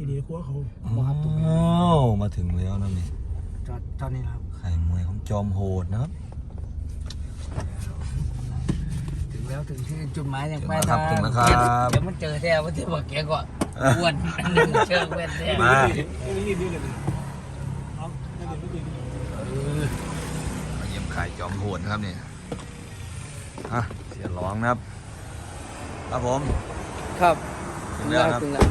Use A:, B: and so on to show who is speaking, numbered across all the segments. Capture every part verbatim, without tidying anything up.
A: ดีกว่าเขา
B: อ้าวมาถึงแล้วนะนี่
A: จอดจอดนี่ครับ
B: ไข่มวยของจอมโหดนะครับ
A: ถึงแล้วถึงที่จุดหมายอย่างไป
B: ถึงแล้วครับถึงแล้วครับ
A: เดี๋ยวมันเจอแท้ว่าที่บอกแกก่อนอ้วนเชิงเว้นแท้
B: มา
A: รีบๆเลยเอาไม่เดี๋ยวไม่เดี๋ยว
B: มาเยี่ยมไข่จอมโหดนะครับนี่ฮะเสียร้องนะครับครับผม
A: ครับ
B: ถึงแล้วครับ
A: ถึงแล้ว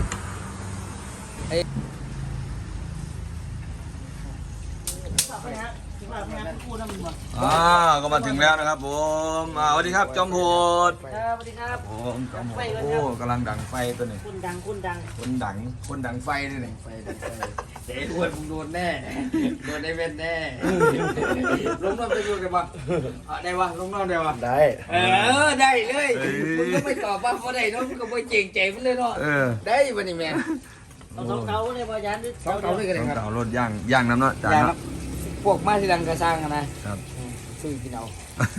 A: ไปฮะถึงแล้วไปฮะคู่น้ำมัน
B: อ่าก็มาถึงแล้วนะครับผมอ่าสวัสดีครับจอมโหด
A: ครับสวัสดีครับ
B: ผมจอมโหดโอ้กำลังดังไฟตัวนี้
A: คุณดังคุณดัง
B: คนดังคนดังไฟนี่นี่
A: ไฟดังไฟเจ๊อ้วนมึงโดนแน่โดนได้เว้นแน่ลงน้ำจะอยู่ได้ปะได้ปะลงน้ำได้ปะ
C: ได้
A: เออได้เลยมึงก็ไม่ตอบว่าเขาได้เนาะมึงก็ไม่เก่งใจมันเลยเนาะ
B: เออ
A: ได้ปะนี่แม่เอาสองเตาเลยพอยันสองเตาเลยกันเลย
B: ต้อง
A: ครับ
B: เต่ารถย่างย่างน้ำเนาะจาน
A: อย่าง
B: เนาะ
A: พวกมาที่ดังกระซังนะครับ ซื้อกินเอา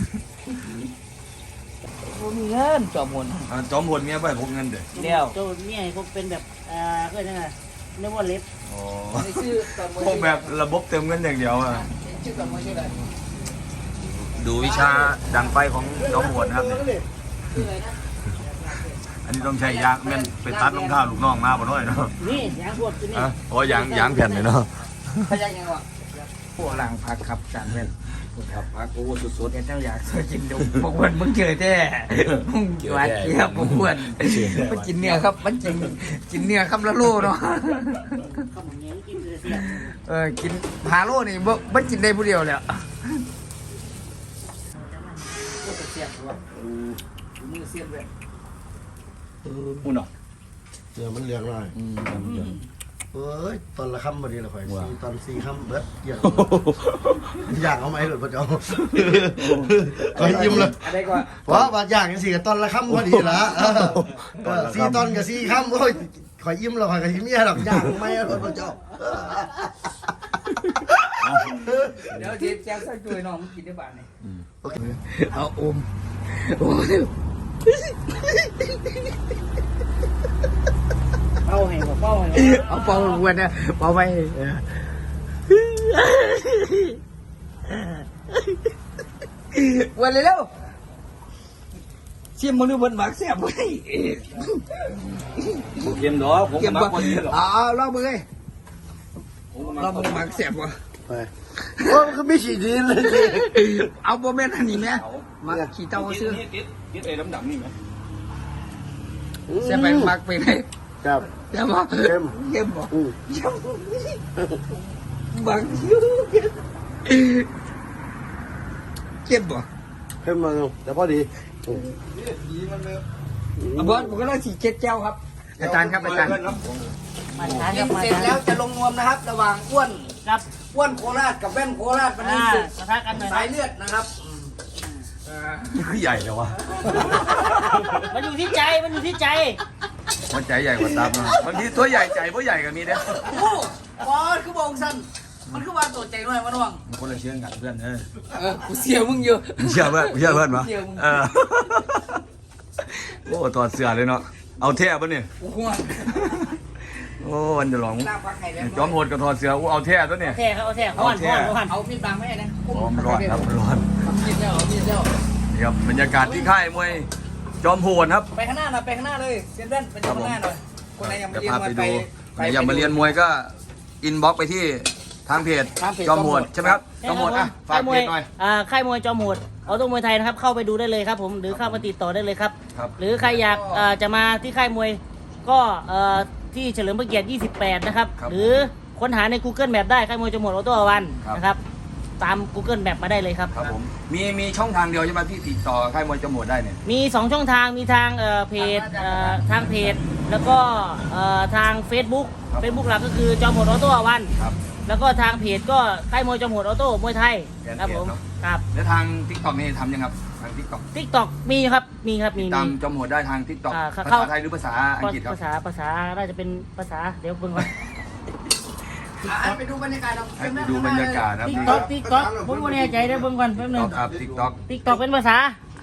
A: บ่มีเงินจอมหน
B: อ่าจอมโหดเมียไปพกเงินเด้อ
A: เดียว
D: โจนเนี่ยเขาเป็นแบบอ่าก็ยังไงเรียกว่าเล็บ
B: โอ้
A: ไม่ชื่อจอมหน
B: พวกแบบระบบเติมเงินอย่างเดียวอ่ะ
A: ชื่อจอมหนชื่ออะไร
B: ดูวิชาดังไฟของจอมโหดนะครับเนี่ย
A: ชื่ออะไรนะ
B: อันนี้ต้องใช้ยางแม่นไปตัดรองเท้าลูกน้องมาบ่น้อยเนาะ
D: นี่ยางพวกตัวนี้
B: อ่ะโอ้ยางยางแผ่นเลยเนาะ
A: พยักยังวะพวกหลังพักครับจานแม่นครับพักโอ้สุดๆเนี่ยเจ้าอยากเคยกินดูพวกวันมึงเจอแท้มึงหวานเจี๊ยบพวกวันมันกินเนื้อครับมันกินกินเนื้อคำละโลเนาะ
D: ข้าวหมูเงี้ยกินเลยเสีย
A: เออกินหาโลนี่บ่บ่กินได้ผู้เดียวเลยอ่ะโอ้เสียบว่ะมือเสียบเลย
B: อุ่นเนาะ
C: เดี๋ยวมันเหลืองหน่อย
B: อืม
C: เอ้ยตอนละค่ำพอดีละข่อยสี่ตอนสี่ค่ำเบิดอย่างอย่างเอาไหมหรือเปล่าเจ้าข่อยยิ้มเลย
A: อะไรก่อน
C: เพราะว่าอย่างสี่กับตอนละค่ำพอดีละเออเออสี่ตอนกับสี่ค่ำโอ้ยข่อยยิ้มแล้วข่อยก็ยิ้มแย่ดอกอย่างเอาไหมหรือเปล่าเจ้า
A: เดี๋ยวทีแจ้งใส่ตัวน้องมึงกินได้บ้านนี่
C: โอเค
A: เอาอมโอ้ย
D: เป้าให้บอกเป้าให้
A: เอาเป่าหัวนะเป่าไปวันเลยแล้วชิมมึงดูบนหมักแซ่บไว้
B: เกมดอกผม
A: เก็บ
B: มา
A: บ่
B: คนนี้หรอ
A: เอาลองมือเลยลองมือหมักแซ่บวะ
C: ไปโอ้มันก็ไม่ฉีดดีเลย
A: เอาโบแม่นอันนี้ไหมมาขี่เต้าซื้อ
B: ติดติดไอ้ดำๆนี่ไหม
A: แซ่บไปหมักไปไหน
C: ครับ
A: ใช่ไหม
C: เข้ม
A: เข้มบ่
C: อืม
A: บางคิ้วเข้มบ่
C: เข้มมาแต่พอดี
A: บอสผมก็ต้องฉีดเจ็ดเจ้าครับ อาจารย์ครับอาจารย์
D: มาทาน
A: กิ
D: กัน บมา
A: เสร็จ
D: ทาน
A: แล้วจะลงนวมนะครับ ระหว่างอ้วน
D: ครับ
A: อ้วนโคราชกับแว่นโคราชวันนี้
D: อ่า
A: ศึก
D: ปะทะกันหน่อย
A: สายเลือดนะครับ
B: คือใหญ่เลยวะ
D: มันอยู่ที่ใจมันอยู่ที่ใจ
B: มันใจใหญ่กว่าตับเนาะบางทีตัวใหญ่ใจเพราะใหญ่ก็มีเด้อ
A: โอ้บอสคือบอกสั้นมันคือว่าตัวใจหน่อยมาน้อง
B: มันคนละเชื่อกันเพื่อนเออ
A: เออกูเสียมึงอยู่
B: เชื่อเพื่อนเชื่อเพื่อนปะ
A: เชื่อมึง
B: เออโอ้ถอดเสื้อเลยเนาะเอาแท้ปะเนี่ย
A: กูห่วง
B: โอ้วันจะลอง
A: ลาพักไข่แล้ว
B: จอมโหดกับถอดเสื้ออู้เอาแท้ตัวเนี่ย
D: แท้เขาเอาแท้ห้อนห้อนห้อน
A: เอามีดบางไม่ได้นะ
B: พร้อมร้อนครับร้อน
A: มีดแล้วมีดแล้ว
B: นี่ครับบรรยากาศที่ค่ายมวยจอมโหดครับ
A: ไปข้างหน้าหน่อยไปข้างหน้าเลยเซียนเว่นไปข้างหน้าหน่อยคนไหนยังไม่
B: จะ
A: เรียน
B: พา
A: มา
B: ไป
A: ไป
B: ดูใครอยากมาเรียนมวยก็อินบ็อกไปที่ทางเพจจอมโหดใช่ไหมครับจอมโหดอ่ะฝากเพจหน่อย
D: อ่าค่ายมวยจอมโหดออโต้มวยไทยนะครับเข้าไปดูได้เลยครับผมหรือเข้ามาติดต่อได้เลยครับ
B: ครับ
D: หรือใครอยากเอ่อจะมาที่ค่ายมวยก็เอ่อที่เฉลิมพระเกียรติยี่สิบแปดนะครับ
B: ครับ
D: หรือค้นหาใน Google Map ได้ค่ายมวยจอมโหดออโต้วัน
B: ครับ
D: นะครับตาม Google Map มาได้เลยครับ
B: ครับผมมีมีช่องทางเดียวใช่ไหมที่ติดต่อค่ายมวยจอมโหดได้เนี่ย
D: มีสองช่องทางมีทางเอ่อเพจเอ่อทางเพจแล้วก็เอ่อทาง Facebook Facebook หลักก็คือจอมโหดออโต้วัน
B: ครับ
D: แล้วก็ทางเพจก็ค่ายมวยจอมโหดออโต้มวยไทย
B: แกน
D: ครับ
B: เพจ
D: ผม
B: เนอะ
D: ครับ
B: แล้วทางทิกตอกนี่ทำยังครับทางทิกตอก
D: ทิกตอกมีครับมีครับมี
B: ตาม
D: มี
B: จอมโหดได้ทางทิกตอก
D: อ่า
B: ภา
D: เข้า
B: ษาไทยหรือภาษาอังกฤษครับ
D: ภาษาภาษาน่าจะเป็นภาษาเดี๋ยวเบิ่งก่อน
A: อ่ะไปดูบรรยากาศเรา
B: ให้ไปดูบรรยากาศนะครับ
D: ติ๊ก
B: นี่
D: ต็อกติ๊กต็อกผมไม่แน่ใจเดี๋ยวเบิ่งก่อนแป๊บหนึง
B: ครับทิกตอก
D: ติ๊กต็อกเป็นภาษา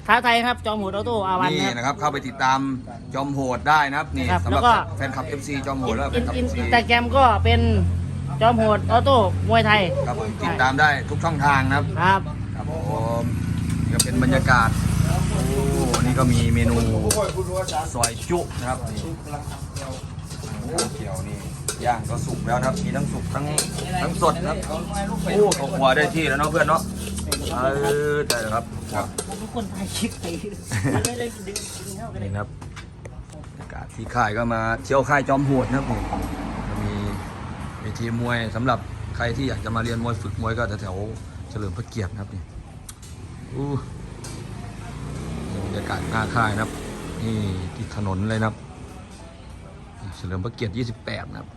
D: ท้าไทยครับจอมโหดออโต้อาวัน
B: นี่
D: นะ
B: นะครับเข้าไปติดตามจอมโหดได้นะครับนี่
D: ครับ
B: สำหรับ
D: แล้วก็
B: แฟนคลับ เอฟ ซี จอมโหดแล้วแฟ
D: อิ
B: น
D: น
B: คลับ
D: อิน
B: เอฟ ซี
D: อินสตาแกรมก็เป็นจอมโหดออโต้มวยไทย
B: ครับผมติดตามได้ทุกช่องทางนะครับ
D: ครับ
B: ครับผมนี่ก็เป็นบรรยากาศโอ้นี่ก็มีเมนูซอยจุนะครับนี่โอ้เกี่ยวนี่ย่างก็สุกแล้วนะครับมีทั้งสุกทั้งทั้งสดนะครับโอ้เขาครัวได้ที่แล้วเนาะเพื่อนเนาะเออได้แล้วครับครับ
D: ทุกคนถ่ายคลิปไปไม่ได้ดึงดึงเข้ากันเลย
B: นี่นะครับบรรยากาศที่ค่ายก็มาเที่ยวค่ายจอมโหดนะครับผมก็มีเวทีมวยสำหรับใครที่อยากจะมาเรียนมวยฝึกมวยก็แถวๆเฉลิมพระเกียรตินะครับนี่อู้นี่บรรยากาศหน้าค่ายนะครับนี่ที่ถนนเลยนะครับเฉลิมพระเกียรติยี่สิบแปดนะครับ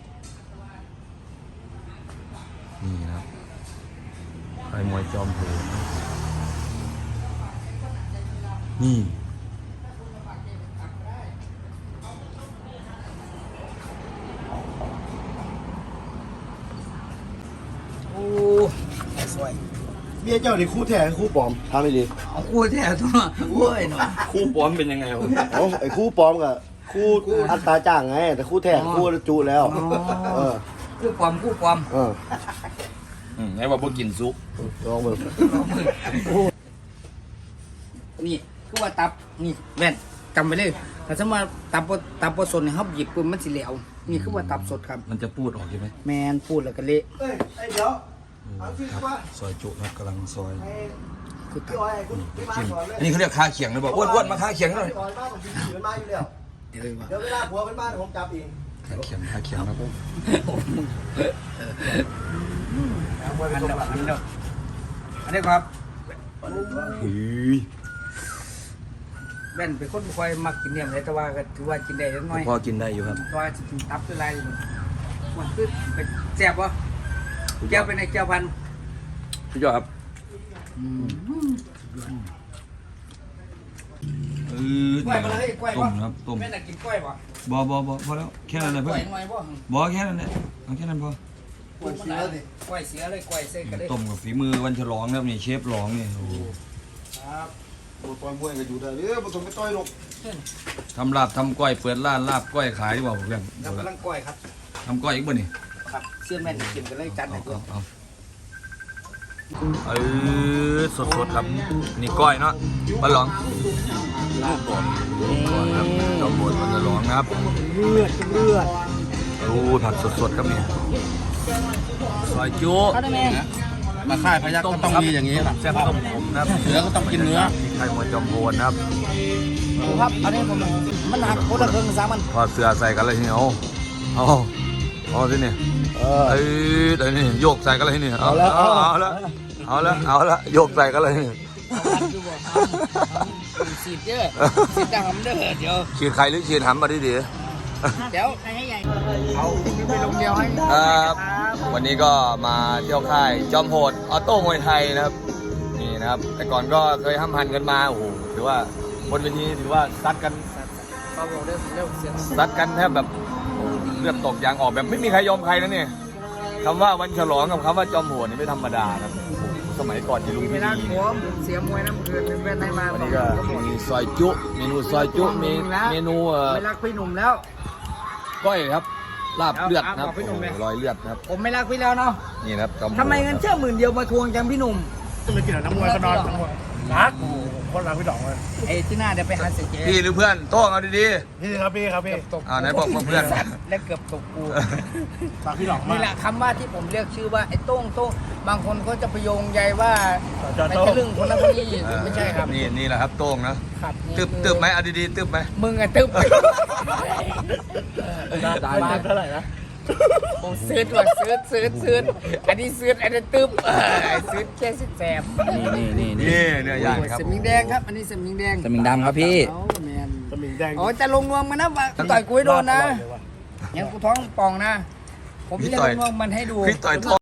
B: นี่นะครับค่ายมวยจอมโหดนี่
A: โอ้สวย
C: เบี้ยเจ้านี่คู่แท้คู่ปลอมทำไม่ดี
A: เอาคู่แท้ตัวโอ้ยหน่อย
B: คู่ป้อมเป็นยังไงครับ
C: เอ้าไอ้คู่ปลอมกับคู่อัตราจ้างไง แต่คู่แท้คู่จุแล้ว เออ
A: คู่ความคู่ความ
C: เออ
B: อืมให้ว่าพวกกินซุป
C: ลองเบิ่ง
A: นี่คือว่าตับนี่แว่นจำไว้เลยถ้าสมมติตับบ่ตับบ่สดเนี่ยเขาหยิบปุ๊บมันสิเหลวนี่คือว่าตับสดครับ
B: มันจะพูดออกใช่ไหม
A: แมนพูดแล้วก็เละ
C: เอ้ยไอ้เดี๋ยวเอาที่
B: ครับ
C: ว่า
B: ซอยจุครับกำลังซอย
A: คือตั
C: พี่
A: บ
C: อ้อยคุณพี่มา
B: จิ้ม
C: สอนเลย
B: อันนี้เขาเรียกคาเขียงนะบอกอ้วนอ้วนมาคาเขียงหน่อย
C: พี่อ้อยมาผมถือมาอยู่แล้ว
A: เดี๋ยวว่า
C: เดี๋ยวเวลาผัวเป็นบ้านผมจับเอง
B: คาเขียงคาเขียงครับ
A: อันเดียวอันเดียวอันนี้ครับ
B: หือ
A: แว่นเป็นคนบ่ค่อยมักกินเนี่ยเลยแต่ว่าก็ถือว่ากินได้เล็กน้อย
B: พอกินได้อยู่ครับ
A: เพราะว่าสิกินตับด้วยไรมันคือเป็นแซ่บวะแก้วเป็นไอ้แก้วพันธุ์
B: พี่จอครับเออก
A: ล้วยมาเลยกล้วย
B: ต้
A: วะ
B: มครับต้ม
A: แม่น่ะกินกล้วยปะ
B: บอบอบอพอแล้วแค่นั้นเลย
A: กล้
B: เพื่
A: ว
B: อย น
A: หน่อยบ่
B: บอแค่นั้นเลยเอาแค่นั้นพอก
A: ล้วยเสียเลยกล้วยเสียเลยกล้วยเส้นกันเลย
B: ต้มกับฝีมือวันฉลองนะครับนี่เชฟร้องนี่โอ้โห
A: ครับ
C: ปวดมวยก็อยู่ได้เด้อผสมไปต่อยลง
B: ทำลาบทำก้อยเปิดร้านลาบก้อยขายดีกว่าผมเพื่อน
A: เรากำลังกล้วยครับ
B: ทำก้อยอีกบ่นี่
A: ครับเสื้อแม่นกินกันเลยจัดให้
B: เอา
A: ตัว
B: เอาเอาเออสดสดๆครับนี่ก้อยเนาะปลาหลองก้อยครับจอมบนมันจะร้องนะครับ
A: เลือดเลือด
B: โอ้ผักสดสดๆครับนี่ซอยจุ
D: เขาได้ไหม
C: มาค่ายพยักก็ต้องมีอย่างนี้แหละ
B: แซ่บต้มผมนะครับ
C: เนื้อก็ต้องกินเนื้อ
B: ไข่หมดจอมโพนนะครับ
A: ครับอันนี้ผมมันหักโคตรเครื่องสามัน
B: พอเสือใส่กันเลยทีนี้เอาเอาเอาสิเนี่ย
C: เออ
B: เอ้ยเดี๋ยวนี่โยกใส่กันเลยทีนี่เอาละเอาเอาละเอาละเอาละโยกใส่กันเลยนี่
A: สีดเยอะสีดดำเด้อเดี๋ยว
B: ฉีดไข่หรือฉีดหำมาดีดี
A: เดี๋ยว
D: ให้ใหญ่
A: เอาไปลงเดียวให้
B: ครับวันนี้ก็มาเที่ยวค่ายจอมโหดออโต้มวยไทยนะครับนี่นะครับ แต่ก่อนก็เคยห้ำหันกันมาโอ้โหถือว่าบนเวทีถือว่าซัดกัน
A: เบาๆเร็วเร็วเสียง
B: ซัดกันแทบแบบเลือดตกยางออกแบบไม่มีใครยอมใครนะเนี่ยคำว่าวันฉลองกับคำว่าจอมโหดนี่ไม่ธรรมดานะโอ้โหสมัยก่อนที่ลุง
A: เว
B: พี่
A: ลา
B: ดี
A: หัวเสียมวยน้ำเกลือเป็นแว่นในมา
B: วันนี้ก็มีซอยจุเมนูซอยจุมีเมนูเอ่อ
A: ไม่รักพี่หนุ่มแล้ว
B: ก้อยครับลาบเลือดนะครับ
A: เอาเอาพี่หนุ่มเลย
B: โอ้โหรอยเลือดนะครับ
A: ผมไม่รักพี่แล้วเนาะ
B: นี่นะครับจอมโหด
A: ทำไมเงินเชื่อหมื่นเดียวมาทวงจังพี่หนุ่ม
C: ไปกินน้ำมวยก็นอนทั้งหมดรักโอ้โหคนรักพี่ดอกเลย
A: ไอ้ที่หน้าเดี๋ยวไปหาเสียเจ๊
B: พี่หรือเพื่อนโต้งเอาดี
C: พี่ครับพี่ครับพี่
A: ตก
B: ๆอ่าไหนบอกว่าเพื่อน
A: และเกือบตกกู
C: รักพี่ดอกมา
A: นี่
C: ก
A: แหละคำว่าที่ผมเรียกชื่อว่าไอ้โต้งโต้งบางคนก็จะไปโยงใยว่า
C: จอ
A: ไม่
C: โต้
A: ใช่เรื่องคนนั้นคนนี้ไม่ใช่ครับ
B: นี่นี่แหละครับโต้งนะครับ
A: นี่
B: ตึบ
A: คือ
B: ตึบไหมเอาดีๆตึบไหม
A: มึงอะตึบ
C: ได้เท่าไหร่นะ
A: ผมซื้อตัวซื้อซื้อซื้ออันนี้ซื้ออันนี้ตึบเออซื้อแค่สิบแสบ
B: นี่นี่นี่เนื้อย่างครับ
A: สมิงแดงครับ อันนี้สมิงแดง
B: สมิงดำครับพี่
A: เอาแมน
C: สมิงแดง
A: อ๋อจะลงนวมมันนะว่าต่อยกูให้โดนนะยังกูท้องป่องนะ ผมจะลงนวมมันให้ดู
B: พี่ต่อยท้อง